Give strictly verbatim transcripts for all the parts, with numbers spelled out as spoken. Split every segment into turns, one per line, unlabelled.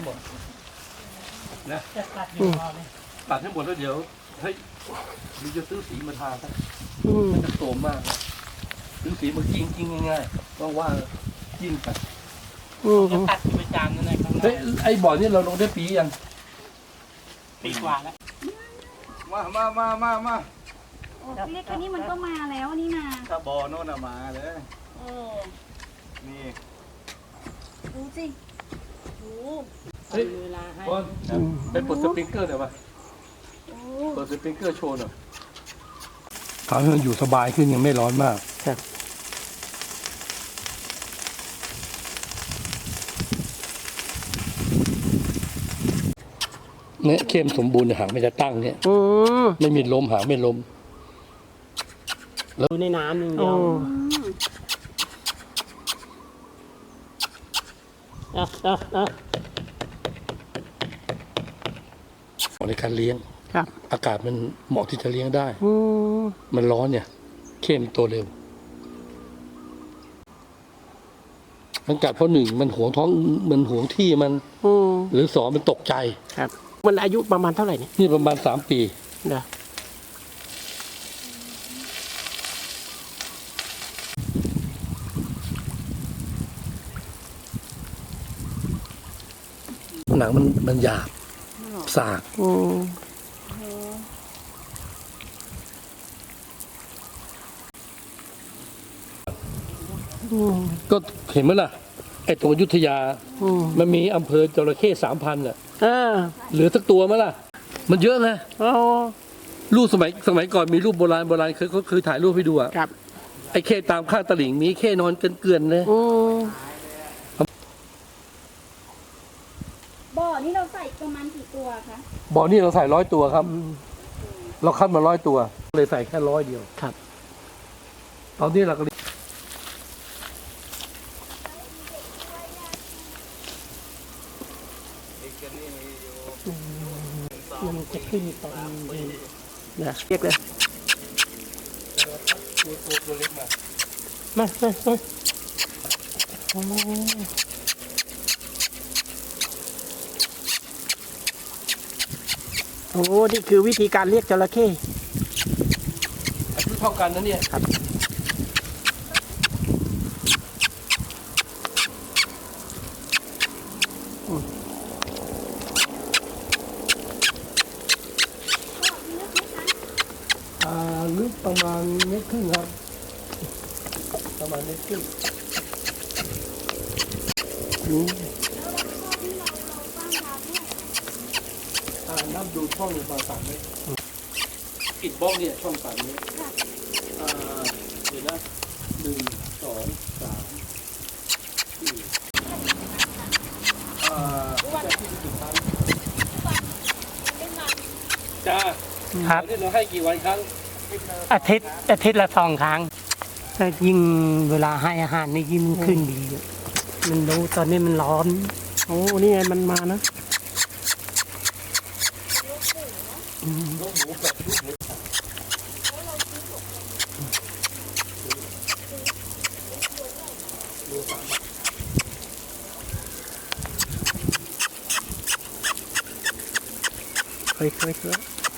หมดนะตัดให้หมดแล้วเดี๋ยวเฮ้ยมันจะซื้อสีมาทาซะมันจะโสมมากซื้อสีมากิ้งกิ้งง่ายๆว่างๆกิ้งไป
จะตัดไปจานนั่นแหละครับ
เฮ้ยไอ้บ่อนี่เราลงได้ปียัง
ปีกว่าแล้ว
มามามามามา
เล็กๆนี่มันก็มาแล้วนี่นา
ถ้าบ่อโน่นมาเลย
เออ
นี่
ดูสิดู
เฮ้ยบอลไปปลดสปริงเกอร์หน่อยป่ะเปิดสปริงเกอร์โชว์หน่อยทำให้มันอยู่สบายขึ้นยังไม่ร้อนมากครับเนี่ยเข้มสมบูรณ์หางไม่จะตั้งเนี่ยไม่มีลมหางไม่ลม
แล้วในน้ำอย่างเดียวอ่ะอ่ะอ่ะ
ในการเลี้ยงอากาศมันเหมาะที่จะเลี้ยงได้มันร้อนเนี่ยเข้มโตเร็วมันกัดเพราะหนึ่งมันหวงท้องมันหวงที่มันหรือสองมันตกใจ
ครับมันอายุประมาณเท่าไหร่เนี่ย
นี่ประมาณสามปี
เด้อ
หนังมันมันหยาบสากก็เห็นไหมล่ะไอ้ตรงอยุธยามันมีอำเภอจระเข้สามพันอ่ะเหลือสักตัวไหมล่ะมันเยอะไงรูปสมัยสมัยก่อนมีรูปโบราณโบราณเคยเขาเคยถ่ายรูปให้ดูอ่ะไอ้เข้ตามข้างตลิ่งมีเข้นอนเกลื่อนๆเลย
บ่อนี่เราใส่ประมาณกี่ตัวคะ
บ่อนี่เราใส่ร้อยตัวครับเราคัดมาร้อยตัวเลยใส่แค่ร้อยเดียว
ครับ
ตอนนี้เราก็
มันจะขึ้นตอนเย็นนะเรียกเลย
ตัวเล็กมา
มามามาโอ้โหนี่คือวิธีการเรียกจระเข้
อายุเท่ากันนะเนี่ย
ครับ
ลึกประมาณเมตรครึ่งครับประมาณเมตรครึ่งนับดูช่องประมาณสามเมตรอิฐบล็อกเนี่ยช่องสามเมตรเดี๋ยวนะหนึ่งสองสามสี่อ่าจะที่สิบครั้งจ้า
ครับ
เราให้กี่วันครั้ง
อาทิตย์อาทิตย์ละสองครั้งแต่ยิ่งเวลาให้อาหารนี่ยิ่งขึ้นดีมันรู้ตอนนี้มันร้อนโอ้นี่ไงมันมานะเคยเคยเคย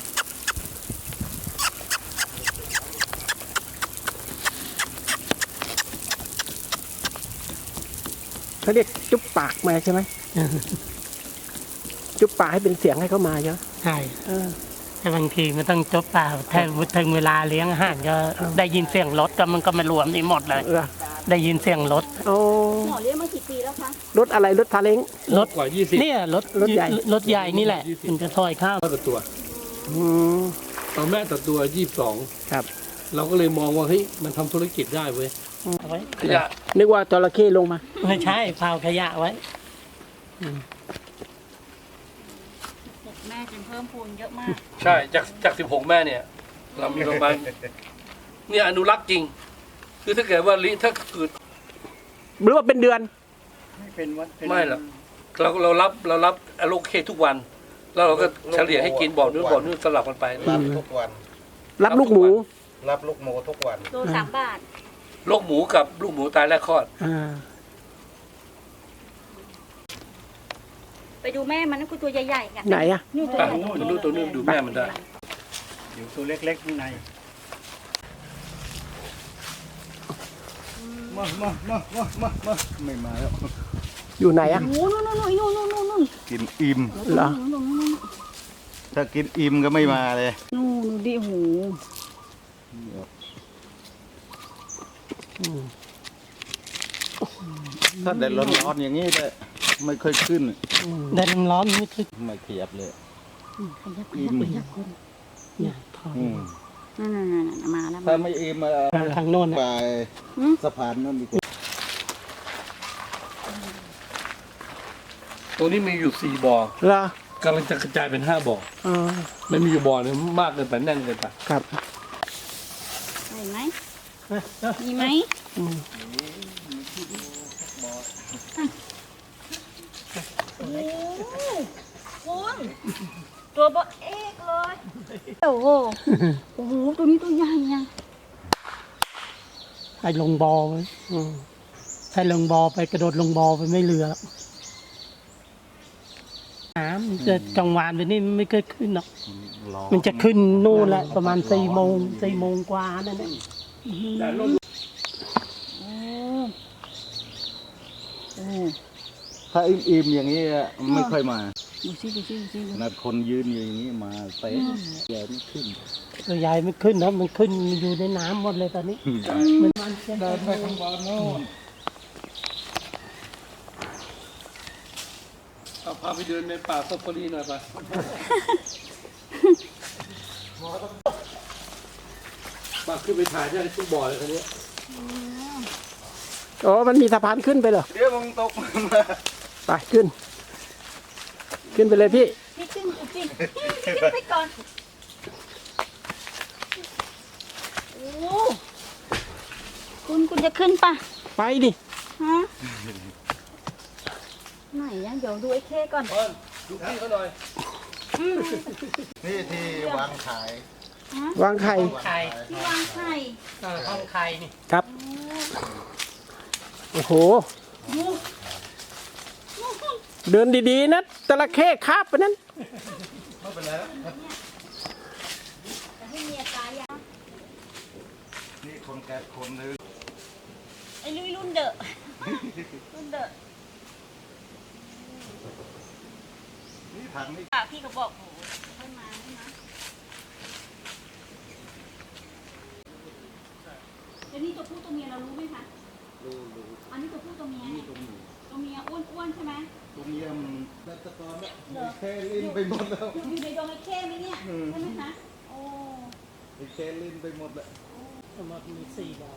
เขาเรียกจุ๊บปากมาใช่ไหมจุ๊บปากให้เป็นเสียงให้เขามาเยอะใช่แต่บางทีมันต้องจุ๊บปากถ้าถึงเวลาเลี้ยงอาหารก็ได้ยินเสียงรถก็มันก็มารวมนี่หมดเลยได้ยินเสียงรถ
หมอเลี้ยงมากี่ปีแล้วคะ
รถอะไรรถพาเล้ง
รถกว่ายี่สิบ
เนี่ยรถรถใหญ่รถใหญ่นี่แหละมันจะถอยข้าว
ต่อตัวตอนแม่ต่อตัวยี่สิบสอง
ครับ
เราก็เลยมองว่าเฮ้ยมันทำธุรกิจได้เว้ย
ขยะนึกว่าจระเข้ลงมาไม่ใช่เผาขยะไว้
แม่จึงเพิ่มพูนเยอะมาก
ใช่จากจากสิบหกแม่เนี่ยเรามีประมาณเนี่ยอนุรักษ์จริงคือถ้าเกิดว่าลิถ้าเกิด
หรือว่าเป็นเดือน
ไม่เป็นวัด
ไม่หรอกเราเรารับเรารับอโลเคทุกวันแล้วเราก็เฉลี่ยให้กินบ่อนู้นบ่อนู้นสลับกันไป
รับทุกวัน
รับลูกหมู
รับลูกหมูทุกวัน
ตัวสามบาท
ลูกหมูกับลูกหมูตายแรกคลอด
ไปดูแม่มันนะกูตัวใหญ่ๆกัน
ไหนอะ
นี่ตัว
ไป
ใหญ่
ดูตัวนู้นดูแม่มันได้
อยู่ตัวเล็กๆข้างในมามามามามามาไม่มาแล้ว
อยู่ไหนอะ
โอ้นู่นนู่นนู่นนู่นนู่นนู่น
กินอิ่ม
เหรอ
นู่นนู่นนู่น
ถ้ากินอิ่มก็ไม่มาเลย
นู่นดิโห
ถ้าแดดร้อนๆอย่างนี้เลยไม่ค่อยขึ้น
แดดร้อนๆไม่ขึ้น
ไม่ขยับเลย
ขยับขยับขยับคน
เนี่ยถอย
อืม
นั่นนั่นนั่นมาแล้ว
ถ้าไม่อิ่มมา
ทางโน้น
ไป
น่ะ
สะพานนั่นดีกว่า
ตรงนี้มีอยู่สี่บ่อ
เหรอก
ำลังจะกระจายเป็นห้าบ่อ
อ๋อ
มันมีอยู่บ่อหนึงมากเกินไปแน่นเกินไป
ครับ
เห็นไหมมีไหม
อืม
โอ้คุณตัวบอเอกเลยโอ้โหโอ้โหตัวนี้ตัวใหญ่ยัง
ไอ้ลงบอไว้
อืม
ใช้ลงบอไปกระโดดลงบอไปไม่เรือแล้วน้ำมันจะจังหวานไปนี่มันไม่เคยขึ้นหรอกมันจะขึ้นนู่นแหละประมาณสี่โมงสี่โมงกว่านั่นแหละ
โอ้โอ้
ถ้าอิ่มๆอย่างนี้ไม่ค่อยมา
ดูสิดูสิดูสิ
ขนาดคนยืนอยู่อย่างนี้มาเตะใหญ่ไม่ขึ้น
ตัวใหญ่ไม่ขึ้นนะมันขึ้นอยู่ในน้ำหมดเลยตอนนี้มันมันจะ
เดินไปข้างบนโน่น
เอาพาไปเดินในป่าซาฟารีหน่อยไปมาขึ้นไปถ่ายได้ทุกบ่อเลยคันนี้
อ๋อมันมีสะพานขึ้นไปเหรอ
เดี๋ยวมึงตกมา
ไปขึ้น ขึ้นไปเลยพี่
พี่ขึ้นดูสิขึ้นไปก่อนโอ้คุณคุณจะขึ้นปะ
ไปดิ
ฮะไหนอะเดี๋ยวดูไอ้เคก่อน
เอิ้นดูพี่เขาหน่อย
อืม
นี่ที่วางขาย
ฮะ
วางไข่
ไข่
ที่วางไข่
เออห้องไข่นี่
ครับ โอ้โห
โอ้
เดินดีๆนะจระเข้คาบไปนั้น
ไม่เป็นไรแล้ว
จะให้เมียตายยัง
นี่คนแก่คนนึง
ไอ้ลุยรุ่นเดอะรุ่นเดอะ
นี่ทางนี้
อ่ะพี่ก็บอกโอ้ค่อยมาใช่ไหมเดี๋ยวนี้ตัวผู้ตัวเมียเรารู้ไหมคะ
ดูดู
อันนี้ตัวผู้ตัวเมีย
นี่ตรงนี้
ตัวเมียอ้วนๆใช่ไหม
ตรงนี้มันได้ตะกอนแล้วแค่ลิ้นไปหมดแล้ว
อยู่ในดงไอ้เข้ไหมเนี่ย
อืม
ใช่ไหมคะโอ้
แค่ลิ้นไปหมดแล้ว
ทั้งหมดมีสี่บ่อ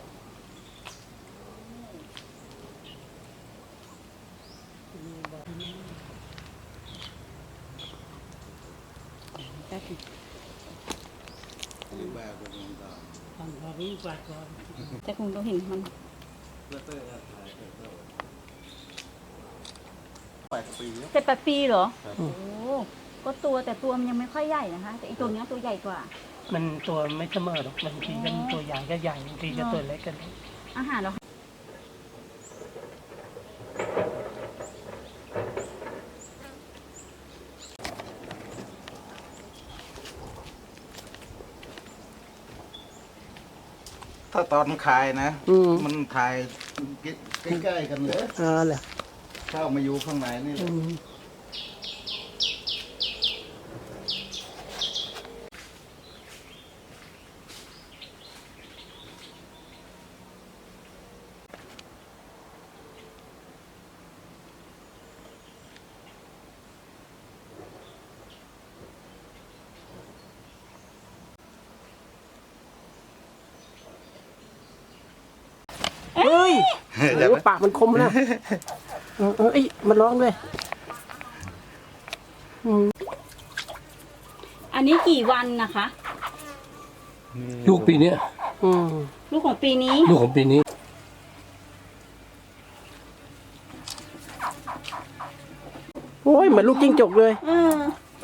แป๊บนึง
นี่แบบเป็นยังไง
ทำพอรู้ก่อนก่อน
แต่คงต้องเห็นมัน
แล้วเต้ยก็ขายไปเท่าแปดปีแล้ว
เจ็ดแปดปีเหรอ
ครับ
โอ้ก็ตัวแต่ตัวมันยังไม่ค่อยใหญ่นะคะ แต่อีตัวเนี้ยตัวใหญ่กว่า
มันตัวไม่เสมอหรอกบางทีก็ตัวใหญ่ก็ใหญ่บางทีก็ตัวเล็กกัน
อาหารเรา
ถ้าตอนขายนะ
อืม
มันขายใกล้ๆกันเลย
เออเหรอ
เข้ามาอยู่ข้างในนี่แห
อื
ละ
ม เฮ้ยโอ้โหปากมันคมนะเออเออเอ้ยมันร้องด้วยอืม
อันนี้กี่วันนะคะ
ลูกปีเนี้ย
อืม
ลูกของปีนี้
ลูกของปีนี้
โอ้ยเหมือนลูกจิ้งจกเลย
เออ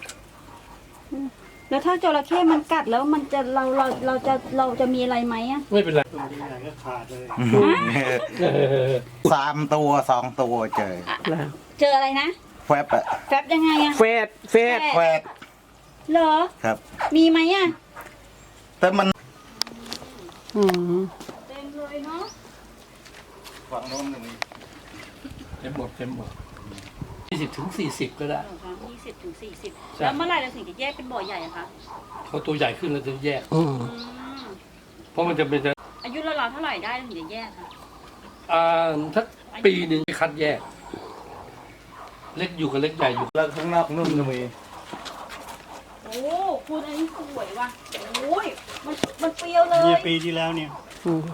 แล้วถ้าจระเข้มันกัดแล้วมันจะเราเราเราจะเราจะมีอะไรไหมอะ
ไม่เป็นไร
สามตัวสองตัวเจอ
เจออะไรนะ
แฟบอะ
แฟบยังไงอะ
แฟดแฟด
แฟบ
เหรอ
ครับ
มีไหมอะ
แต่มัน
อืม
เต็มเลยเนาะ
ฝั่งโน้นมี
เต็มหมดเต็มหมดยี่สิบถึงสี่สิบก็ได้
ยี่สิบถึงสี่สิบ
ใช่
แล้วเมื่อไหร่เราถึงจะแยกเป็นบ่อใหญ่อะคะ
เขาตัวใหญ่ขึ้นแล้วจะแยก
อืม
อืม
เพราะมันจะเป็น
อายุเราๆเท่าไหร่ได้เราถึงจะแยกคะ
อ่าถ้าปีหนึ่งคัดแยก เล็กอยู่กับเล็กใหญ่อยู่
แล้วข้างนอกนู่นก็มี
โอ้คุณอันนี้สวยว่ะโอ้ยมันมันเปรี้ยวเลย
เนี่ยปีที่แล้วเนี่ย
อืม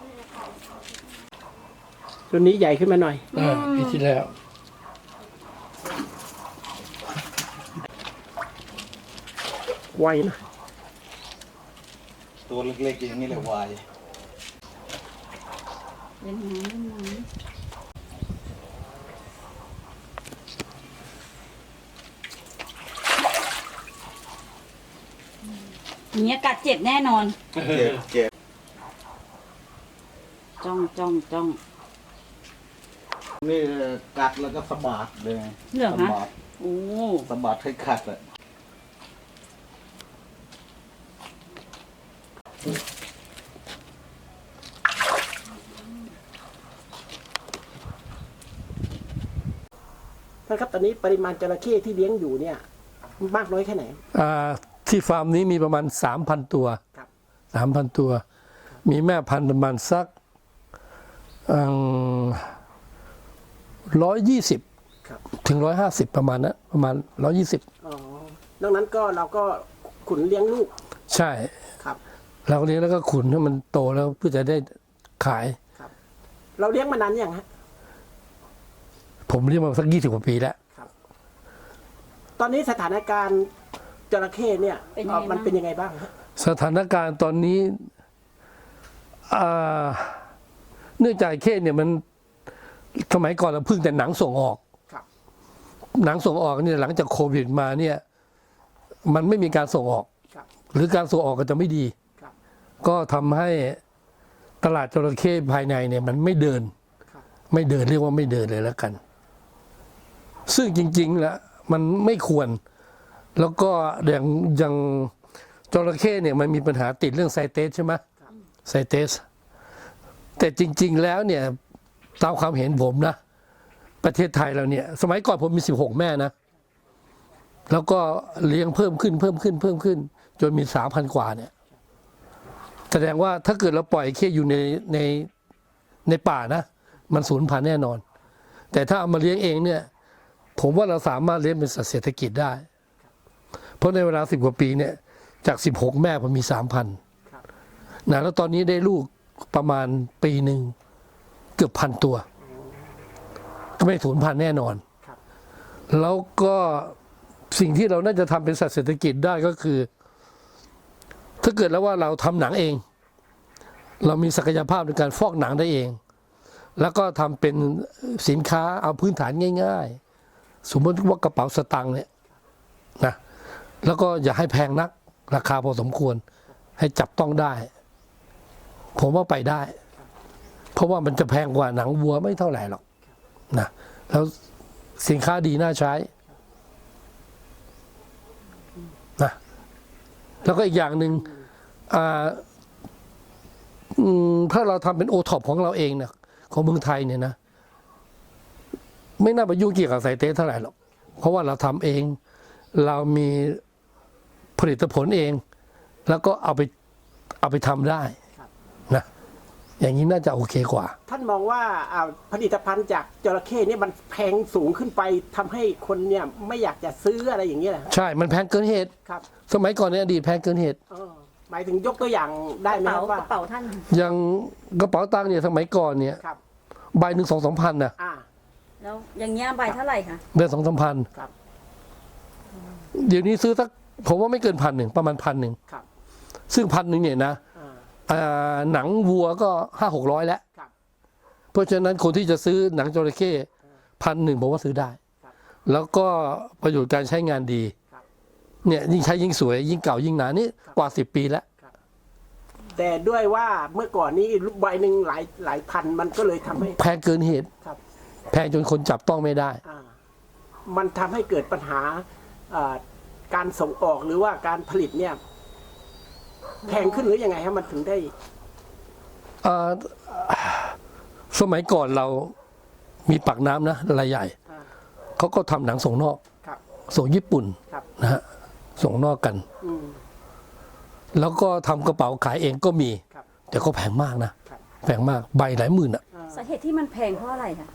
ตัวนี้ใหญ่ขึ้นมาหน่อย
อ่าปีที่แล้ว
ไวนะ
ตัวเล็กๆอย่างนี้เลยวาย
เล่นน้ำเล่นน้ำเนี้ยกัดเจ็บแน่นอน
เจ็บเจ็บ
จ้องจ้องจ้อง
นี่กัดแล้วก็สะบัดเลย
เหรอ
สะ
คะ
บัด
โอ้
สะบัดให้ขัดอะ
ท่านครับตอนนี้ปริมาณจระเข้ที่เลี้ยงอยู่เนี่ย มากน้อยแค่ไหน
อ่าที่ฟาร์มนี้มีประมาณสามพันตัว
ครับ
สามพันตัว มีแม่พันธุ์ประมาณสักร้อยยี่สิบ
ครับ
ถึงร้อยห้าสิบประมาณนั้นประมาณร้อยยี่สิบ
อ๋อนอกนั้นก็เราก็ขุนเลี้ยงลูก
ใช่
ครับ
เราเลี้ยงแล้วก็ขุนให้มันโตแล้วเพื่อจะได้ขาย
เราเลี้ยงมานานยังฮะ
ผมเลี้ยงมาสักยี่สิบกว่าปีแล้ว
ตอนนี้สถานการณ์จระเข้เนี่ย
เป็นยังไง
เอ่อมัน
บ้าง
เป็นยังไงบ้างฮะ
สถานการณ์ตอนนี้อ่าเนื่องจากเข้เนี่ยมันสมัยก่อนเราพึ่งแต่หนังส่งออก
ครับ
หนังส่งออกเนี่ยหลังจากโควิดมาเนี่ย มันไม่มีการส่งออก
ครับ
หรือการส่งออกก็จะไม่ดี
ครับ
ก็ทำให้ตลาดจระเข้ภายในเนี่ย มันไม่เดิน
ครับ
ไม่เดินเรียกว่าไม่เดินเลยแล้วกัน ซึ่งจริงๆแล้วมันไม่ควร แล้วก็อย่างอย่างจระเข้เนี่ยมันมีปัญหาติดเรื่องไซเตสใช่ไหมไซเตส แต่จริง ๆ แล้วเนี่ยตามความเห็นผมนะ ประเทศไทยเราเนี่ย สมัยก่อนผมมีสิบหกแม่นะ แล้วก็เลี้ยงเพิ่มขึ้นเพิ่มขึ้นเพิ่มขึ้น จนมีสามพันกว่าเนี่ย แสดงว่าถ้าเกิดเราปล่อยเข้อยู่ในในในป่านะ มันสูญพันธุ์แน่นอน แต่ถ้าเอามาเลี้ยงเองเนี่ย ผมว่าเราสามารถเลี้ยงเป็นสัตว์เศรษฐกิจได้ เพราะในเวลาสิบกว่าปีเนี่ย จากสิบหกแม่ผมมีสามพันนะแล้วตอนนี้ได้ลูกประมาณปีหนึ่งเกือบพันตัว ก็ไม่สูญพันธุ์แน่นอน แล้วก็สิ่งที่เราน่าจะทำเป็นสัตว์เศรษฐกิจได้ก็คือ ถ้าเกิดแล้วว่าเราทำหนังเอง เรามีศักยภาพในการฟอกหนังได้เอง แล้วก็ทำเป็นสินค้าเอาพื้นฐานง่าย ๆ สมมติว่ากระเป๋าสตางค์เนี่ยนะแล้วก็อย่าให้แพงนัก ราคาพอสมควร ให้จับต้องได้ ผมว่าไปได้ เพราะว่ามันจะแพงกว่าหนังวัวไม่เท่าไหร่หรอกนะแล้วสินค้าดีน่าใช้นะแล้วก็อีกอย่างหนึ่งอ่าอืมถ้าเราทำเป็นโอท็อปของเราเองเนี่ยของเมืองไทยเนี่ยนะ ไม่น่าไปยุ่งเกี่ยวกับไซเตสเท่าไหร่หรอกเพราะว่าเราทำเอง เรามีผลิตผลเอง แล้วก็เอาไปเอาไปทำได้นะอย่างนี้น่าจะโอเคกว่า
ท่านมองว่าอ่าผลิตภัณฑ์จากจระเข้เนี่ยมันแพงสูงขึ้นไปทำให้คนเนี่ยไม่อยากจะซื้ออะไรอย่างเงี้ยเหรอ
ใช่มันแพงเกินเหตุ
ครับ
สมัยก่อนในอดีตแพงเกินเหตุ
เออหมายถึงยกตัวอย่างได้ไหม
เป๋า
ครับ
ก
ว่า
ระเป๋าท่าน
อย่างกระเป๋าตังค์เนี่ยสมัยก่อนเนี่ย
ครับ
ใบหนึ่งสองสามพันนะ
อ่า
แล้วอย่างเงี้ยใบเท่าไหร่คะ
เดือนสองสามพัน
ครับ
เดี๋ยวนี้ซื้อสักผมว่าไม่เกินพันหนึ่งประมาณพันหนึ่ง
ครับ
ซึ่งพันหนึ่งเนี่ยนะ
อ่า
อ่าหนังวัวก็ห้าหกร้อยแล้ว
ครับ
เพราะฉะนั้นคนที่จะซื้อหนังจระเข้พันหนึ่งผมว่าซื้อได้
ครับ
แล้วก็ประโยชน์การใช้งานดี
ครับ
เนี่ยยิ่งใช้ยิ่งสวย ยิ่งเก่ายิ่งหนานี่กว่าสิบปีแล้ว
แต่ด้วยว่าเมื่อก่อนนี้ใบหนึ่งหลายหลายพันมันก็เลยทำให้
แพงเกินเหตุ
ครับ
แพงจนคนจับต้องไม่ได้
อ่ามันทำให้เกิดปัญหาอ่าการส่งออกหรือว่าการผลิตเนี่ยแพงขึ้นหรือยังไงฮะมันถึงได้
อ่าสมัยก่อนเรามีปากน้ำนะรายใหญ่
อ่า
เขาก็ทำหนังส่งนอก
ครับ
ส่งญี่ปุ่น
ครับ
นะฮะส่งนอกกัน
อืม
แล้วก็ทำกระเป๋าขายเองก็มี
ครับ
แต่ก็แพงมากนะครับ แพงมากใบหลายหมื่นอ่ะ
สาเหตุที่มันแพงเพราะอะไรคะ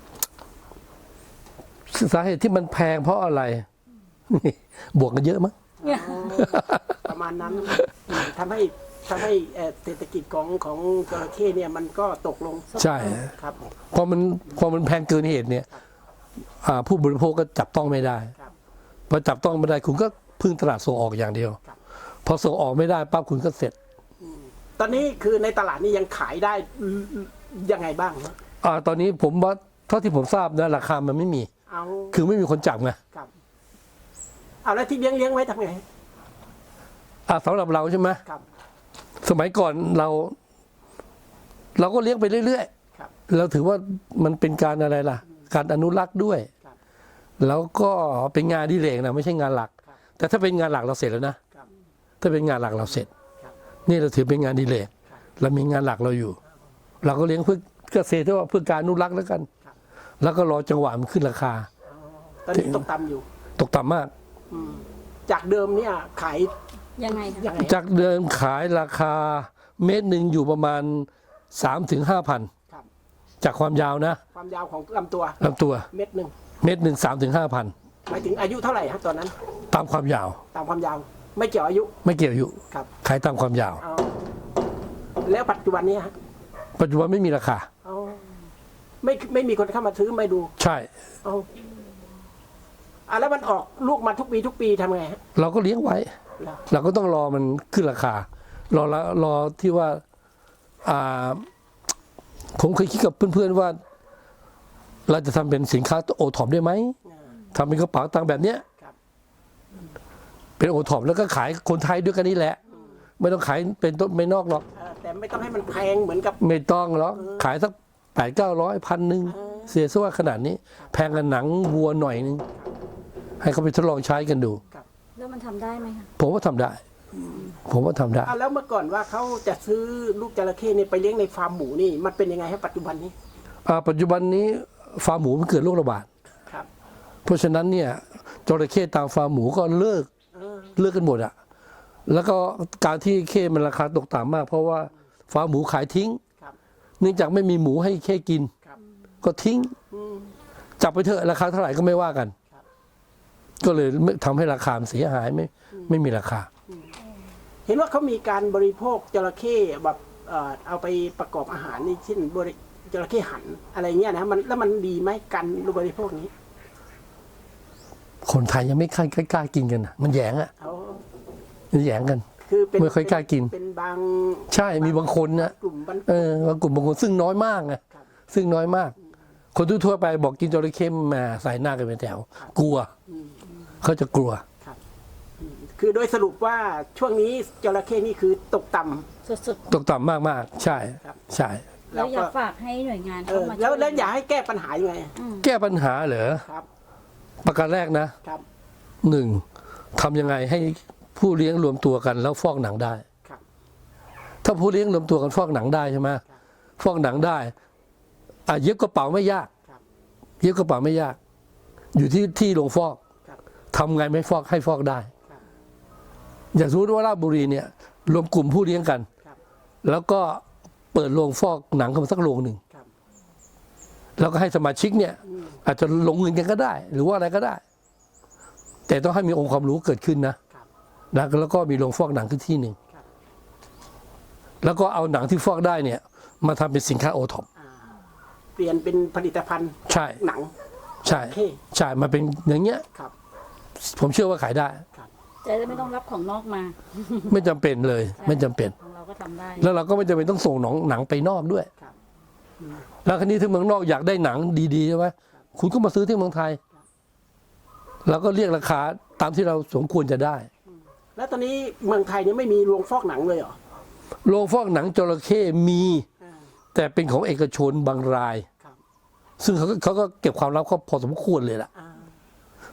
สาเหตุที่มันแพงเพราะอะไร บวกกันเยอะมั้ง
เนี่ย
ประมาณนั้นทำให้ทำให้เอ่อเศรษฐกิจของของจระเข้เนี่ยมันก็ตกลง
ใช่
ครับ
พอมันพอมันแพงเกินเหตุเนี่ยอ่าผู้บริโภคก็จับต้องไม่ได้
ครับ
พอจับต้องไม่ได้คุณก็พึ่งตลาดส่งออกอย่างเดียว
ครับ
พอส่งออกไม่ได้ปั๊บคุณก็เสร็จ
ตอนนี้คือในตลาดนี่ยังขายได้ยังไงบ้างฮะ
อ่าตอนนี้ผมว่าเท่าที่ผมทราบนะราคามันไม่มี
เอา
คือไม่มีคนจับไง
ครับเอาแล้วที่เลี้ยงเลี้ยงไว้ทำไง
อ่าสำหรับเราใช่ไหม
ครับ
สมัยก่อนเรา เราก็เลี้ยงไปเรื่อย
ครับ
ๆเราถือว่ามันเป็นการอะไรล่ะ การอนุรักษ์ด้วย
ครับ
แล้วก็เป็นงานอดิเรกนะไม่ใช่งานหลัก
ครับ
แต่ถ้าเป็นงานหลักเราเสร็จแล้วนะครับ ถ้าเป็นงานหลักเราเสร็จ
ครับ
นี่เราถือเป็นงานอดิเรก
ครับ
เรามีงานหลักเราอยู่ เราก็เลี้ยงเพื่อเกษตรที่ว่าเพื่อการอนุรักษ์แล้วกัน
ครับ
แล้วก็รอจังหวะมันขึ้นราคา
ตอนนี้ตกต่ำอยู่
ตกต่ำมาก
อืมจากเดิมเนี่ยขาย
ยังไงคะ
ยังไง
จากเดิมขายราคาเมตรหนึ่งอยู่ประมาณสามถึงห้าพัน
ครับ
จากความยาวนะ
ความยาวของลำตัว
ลำตัว
เม็ดหนึ่ง
เมตรหนึ่งสามถึงห้าพัน
หมายถึงอายุเท่าไหร่ฮะตอนนั้น
ตามความยาว
ตามความยาว ไม่เกี่ยวอายุ
ไม่เกี่ยวอายุ
ครับ
ขายตามความยาว
เอาแล้วปัจจุบันนี้ฮะ
ปัจจุบันไม่มีราคา
เอาไม่ไม่มีคนเข้ามาซื้อไม่ดู
ใช่
เอาอ่ะแล้วมันออกลูกมาทุกปีทุกปีทำไงฮะ
เราก็เลี้ยงไว้
เหรอ
เราก็ต้องรอมันขึ้นราคา รอละรอที่ว่าอ่า ผมเคยคิดกับเพื่อนๆว่า เราจะทำเป็นสินค้าโอท็อปได้ไหม
อ่า
ทำเป็นกระเป๋าตังค์แบบเนี้ย
ครับ
เป็นโอท็อปแล้วก็ขายคนไทยด้วยกันนี่แหละ ไม่ต้องขายเป็นต้นไม่นอกหรอก
เอ่อแต่ไม่ต้องให้มันแพงเหมือนกับ
ไม่ต้องหรอกขายสักแปดเก้าร้อยพันหนึ่งเสียซะว่าขนาดนี้ แพงกันหนังวัวหน่อยนึง ให้เขาไปทดลองใช้กันดู
แล้วมันทำได้ไหมคะ
ผมว่าทำได้ ผมว่าทำได้
อ่ะแล้วเมื่อก่อนว่าเขาจะซื้อลูกจระเข้เนี่ยไปเลี้ยงในฟาร์มหมูนี่มันเป็นยังไงฮะปัจจุบันนี้
อ่าปัจจุบันนี้ฟาร์มหมูมันเกิดโรคระบาด
ครับ
เพราะฉะนั้นเนี่ยจระเข้ตามฟาร์มหมูก็เลิก
เออ
เลิกกันหมดอะแล้วก็การที่เข้มันราคาตกต่ำมาก เพราะว่าฟาร์มหมูขายทิ้ง
ครับ
เนื่องจากไม่มีหมูให้เข้กิน
ครับ
ก็ทิ้ง
อืม
จับไปเถอะราคาเท่าไหร่ก็ไม่ว่ากัน
ครับ
ก็เลยไม่ทำให้ราคามันเสียหายไม่ไม่มีราคา
เห็นว่าเขามีการบริโภคจระเข้แบบเอ่อเอาไปประกอบอาหารนี่เช่นบริจระเข้หันอะไรเงี้ยนะมันแล้วมันดีไหมกันบริโภคนี้
คนไทยยังไม่ค่อยกล้ากินกันนะมันแหยงอะ
เขา
มันแหยงกัน
คือเป็น
ไม่ค่อยกล้ากิน
เป็นบาง
ใช่มีบางคนนะ
กลุ่มบาง
เออบางกลุ่มบางคนซึ่งน้อยมากนะครับ ซึ่งน้อยมาก คนทั่วๆไปบอกกินจระเข้มาใส่หน้ากันเป็นแถว กลัว เขาจะกลัว
คือโดยสรุปว่าช่วงนี้จระเข้นี่คือตกต่ำ
สุด
ตกต่ำมากๆ ใช่
ครับ
ใช่
ๆเราอยากฝากให้หน่วยงาน
เอ
เข้า
อ
มา
แล้ว
ช่ย
แล้วอยากให้แก้ปัญหายังไง
แก้ปัญหาเหรอ
ครับ
ประการแรกนะครับ หนึ่งทำยังไงให้ผู้เลี้ยงรวมตัวกันแล้วฟอกหนังได้
ครับ
ถ้าผู้เลี้ยงรวมตัวกันฟอกหนังได้ใช่ไหมฟอกหนังได้อ่ะเย็บกระเป๋าไม่ยาก
ครับ
เย็บกระเป๋าไม่ยาก อยู่ที่ที่ลงฟอก
ครับ
ทำไงไม่ฟอกให้ฟอกได้
ครับ
อย่างสมมติว่าราชบุรีเนี่ย รวมกลุ่มผู้เลี้ยงกัน
ครับ
แล้วก็เปิดโรงฟอกหนังกันมาสักโรงหนึ่ง
ครับ
แล้วก็ให้สมาชิกเนี่ย อาจจะลงเงินกันก็ได้ หรือว่าอะไรก็ได้ แต่ต้องให้มีองค์ความรู้เกิดขึ้นนะครับ นะแล้วก็มีโรงฟอกหนังขึ้นที่หนึ่ง
ครับ
แล้วก็เอาหนังที่ฟอกได้เนี่ย มาทำเป็นสินค้าโอท็อป
อ่าเปลี่ยนเป็นผลิตภัณฑ์
ใช่
หนัง
ใช่
โอเค
ใช่มาเป็นอย่างเงี้ย
ครับ
ผมเชื่อว่าขายได้
จะได้ไม่ต้องรับของนอกมา
ไม่จำเป็นเลย ไม่จำเป็น
ของเราก็ทำได้
แล้วเราก็ไม่จำเป็นต้องส่งหนังหนังไปนอกด้วย
ครับ
แล้วคราวนี้ที่เมืองนอกอยากได้หนังดีๆใช่ไหมคุณก็มาซื้อที่เมืองไทยเราก็เรียกราคาตามที่เราสมควรจะได้
แล้วตอนนี้เมืองไทยเนี่ยไม่มีโรงฟอกหนังเลยเหรอ
โรงฟอกหนังจระเข้มี
อ่า
แต่เป็นของเอกชนบางราย
ครับ
ซึ่งเขาก็เขาก็เก็บความลับเขาพอสมควรเลยล่ะ
อ่า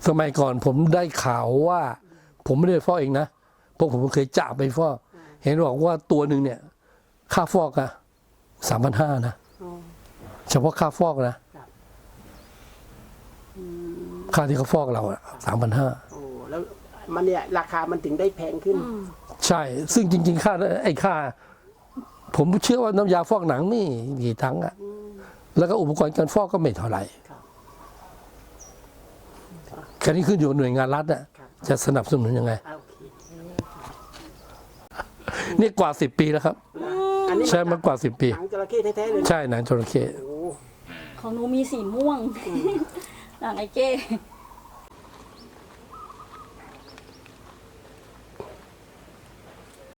สมัยก่อนผมได้ข่าวว่า ผมไม่ได้ฟอกเองนะเพราะผมเคยจ่าไปฟอกเห็นบอกว่าตัวหนึ่งเนี่ย ค่าฟอกอะสามพันห้านะเฉพาะค่าฟอกนะค่าที่เขาฟอกเราอะสามพันห้า
โอ้แล้วมันเนี่ยราคามันถึงได้แพงขึ้น
ใช่ ซึ่งจริง ๆ ค่าไอ้ค่า ผมเชื่อว่าน้ำยาฟอกหนังนี่กี่ทั้งอะแล้วก็อุปกรณ์การฟอกก็ไม่เท่าไหร่แค่นี้ขึ้นอยู่กับหน่วยงานรัฐอะจะสนับสนุนยังไง
โอเค
นี่กว่าสิบปีแล้วครับ
อันนี้
ใช่มากกว่าสิบปี
หนังจระเข้แท้ๆเลย
ใช่หนังจระเข้
โอ้
ของหนูมีสีม่วงหนังไอ้เก้